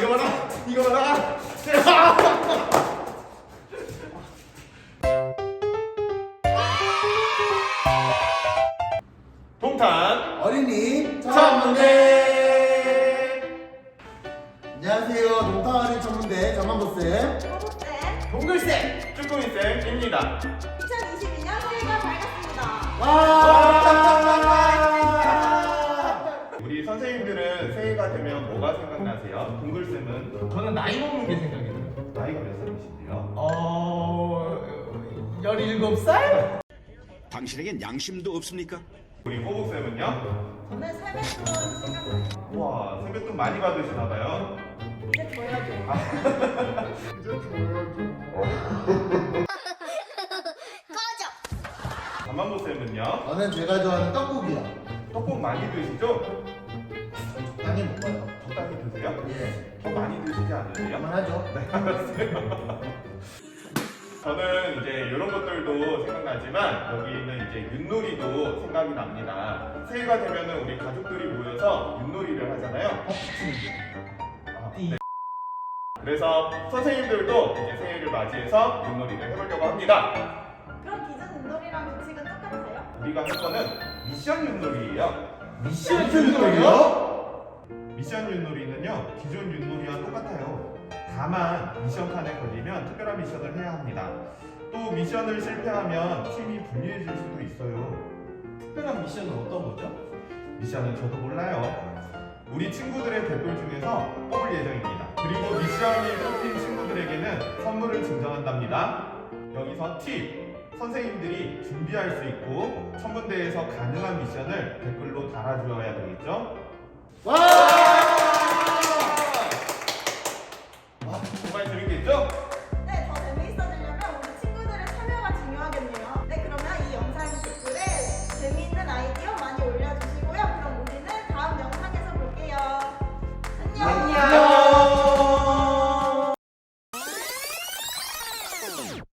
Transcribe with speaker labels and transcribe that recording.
Speaker 1: 이거 봐라. 이거 봐라. 동탄
Speaker 2: 어린이
Speaker 1: 전문대.
Speaker 2: 안녕하세요. 동탄 어린이 전문대 전만보쌤.
Speaker 1: 동글쌤 쭈꾸미쌤입니다.
Speaker 3: 2022년 새해가 밝았습니다.
Speaker 1: 우리 선생님들은 새해가 되면 뭐가 생각나세요? 동글쌤은
Speaker 4: 저는 나이 먹는 게 생각이 나요.
Speaker 1: 나이가 몇 살이신데요?
Speaker 4: 17살?
Speaker 5: 당신에겐 양심도 없습니까?
Speaker 1: 우리 꼬북쌤은요?
Speaker 3: 저는 세뱃돈 생각나요.
Speaker 1: 우와, 세뱃돈 많이 받으시나봐요.
Speaker 3: 이제 줘야죠.
Speaker 1: 잠만보쌤은요?
Speaker 2: 저는 제가 좋아하는 떡국이요.
Speaker 1: 떡국 많이 드시죠?
Speaker 2: 적당히 먹어요.
Speaker 1: 적당히 드세요?
Speaker 2: 예.
Speaker 1: 더 많이 드시지 않으세요?
Speaker 2: 그만하죠.
Speaker 1: 네, 알았어요. 저는 이제 이런 것들도 생각나지만 여기 있는 이제 윷놀이도 생각이 납니다. 새해가 되면은 우리 가족들이 모여서 윷놀이를 하잖아요. 아, 네. 그래서 선생님들도 이제 새해를 맞이해서 윷놀이를 해보려고 합니다.
Speaker 3: 그럼 기존 윷놀이랑 규칙은 똑같아요?
Speaker 1: 우리가 할 거는 미션 윷놀이예요.
Speaker 4: 미션
Speaker 2: 윷놀이요?
Speaker 1: 미션 윷놀이는요 기존 윷놀이와 똑같아요. 다만 미션 칸에 걸리면 특별한 미션을 해야 합니다. 또 미션을 실패하면 팀이 분리해질 수도 있어요.
Speaker 4: 특별한 미션은 어떤 거죠?
Speaker 1: 미션은 저도 몰라요. 우리 친구들의 댓글 중에서 뽑을 예정입니다. 그리고 미션이 뽑힌 친구들에게는 선물을 증정한답니다. 여기서 팁! 선생님들이 준비할 수 있고 천문대에서 가능한 미션을 댓글로 달아주어야 되겠죠?
Speaker 2: 와!
Speaker 1: 정말 재밌겠죠?
Speaker 3: 네, 더 재미있어지려면 우리 친구들의 참여가 중요하겠네요. 네, 그러면 이 영상 댓글에 재미있는 아이디어 많이 올려주시고요. 그럼 우리는 다음 영상에서 볼게요. 안녕!
Speaker 2: 안녕.